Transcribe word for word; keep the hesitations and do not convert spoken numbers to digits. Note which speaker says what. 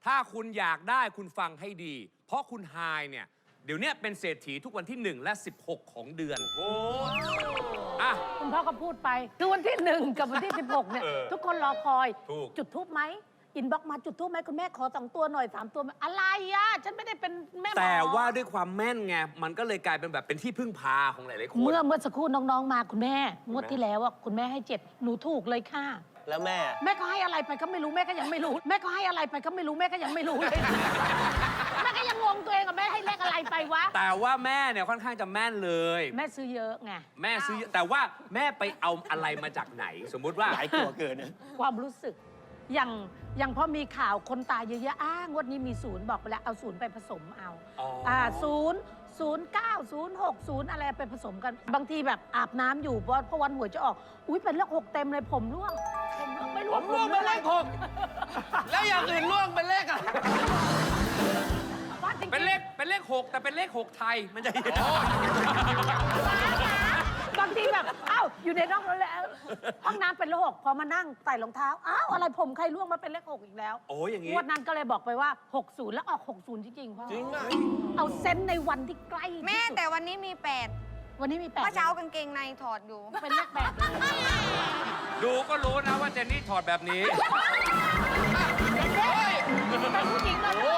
Speaker 1: ถ้าคุณอยากได้คุณฟังให้ดี เพราะคุณไฮเนี่ยเดี๋ยวนี้เป็นเศรษฐีทุกวันที่หนึ่งและสิบหกของเดือนโอ้อะ
Speaker 2: คุณพ่อก็พูดไปคือวันที่หนึ่งกับวันที่สิบหกเนี่ยทุกคนรอคอยจุดทูบไหมอินบ็อกมาจุดทูบไหมคุณแม่ขอสองตัวหน่อยสามตัวอะไรอ่ะฉันไม่ได้เป็นแม่หมอ
Speaker 1: แต่ว่าด้วยความแม่นไงมันก็เลยกลายเป็นแบบเป็นที่พึ่งพาของหลายๆคน
Speaker 2: เมื่อเมื่อสักครู่น้องๆมาคุณแม่งวดที่แล้วว่าคุณแม่ให้เจ็ดหนูถูกเลยค่ะ
Speaker 3: แล้วแม่
Speaker 2: แม่ก็ให้อะไรไปก็ไม่รู้แม่ก็ยังไม่รู้แม่ก็ให้อะไรไปก็ไม่รู้แม่ก็ยังไม่รู้เลยแม่ก็ยังงงตัวเองกับแม่ให้เลขอะไรไปวะ
Speaker 1: แต่ว่าแม่เนี่ยค่อนข้างจะแม่นเลย
Speaker 2: แม่ซื้อเยอะไง
Speaker 1: แม่ซื้อแต่ว่าแม่ไปเอาอะไรมาจากไหนสมมุติว่า
Speaker 3: หลายตัวเกินนะ
Speaker 2: ความรู้สึกอย่างอย่างพอมีข่าวคนตายเยอะๆอ้างวดนี้มีศูนย์บอกไปแล้วเอาศูนย์ไปผสมเอาอ่าศูนย์ศูนย์เก้าศูนย์หกศูนย์อะไรไปผสมกันบางทีแบบอาบน้ำอยู่เพราะพอวันหวยจะออกอุ้ยเป็นเลขหกเต็มเลยผมร่วงผมร่วงไม่ร่วง
Speaker 3: ผมร่วงเป็นเลขหกแล้วอย่างอื่นร่วงเป็นเลขอะไร
Speaker 1: เป็นเลขเป็นเลขหกแต่เป็นเลขหกไทยมันจะ
Speaker 2: บางทีแบบอ้าวอยู่ในห้องแล้วห้องน้ำเป็นเลขหกพอมานั่งใส่รองเท้าอ้าวอะไรผมใครร่วงมาเป็นเลขหกอีกแล้ว
Speaker 1: โอ้ยอย่างงี้
Speaker 2: งวดนั้นก็เลยบอกไปว่าหกศูนย์แล้วออกหกศูนย์จริงๆพ่อ
Speaker 3: จริงอ่ะ
Speaker 2: เอาเซนในวันที่ใกล้
Speaker 4: แม่แต่วันนี้มีแปด
Speaker 2: วันนี้มีแปด
Speaker 4: เมื่อเช้ากางเกงในถอดอยู่
Speaker 2: เป็นเลขแปด
Speaker 1: ดูก็รู้นะว่าเจนนี่ถอดแบบนี้
Speaker 2: เป็นผู้หญิงเลย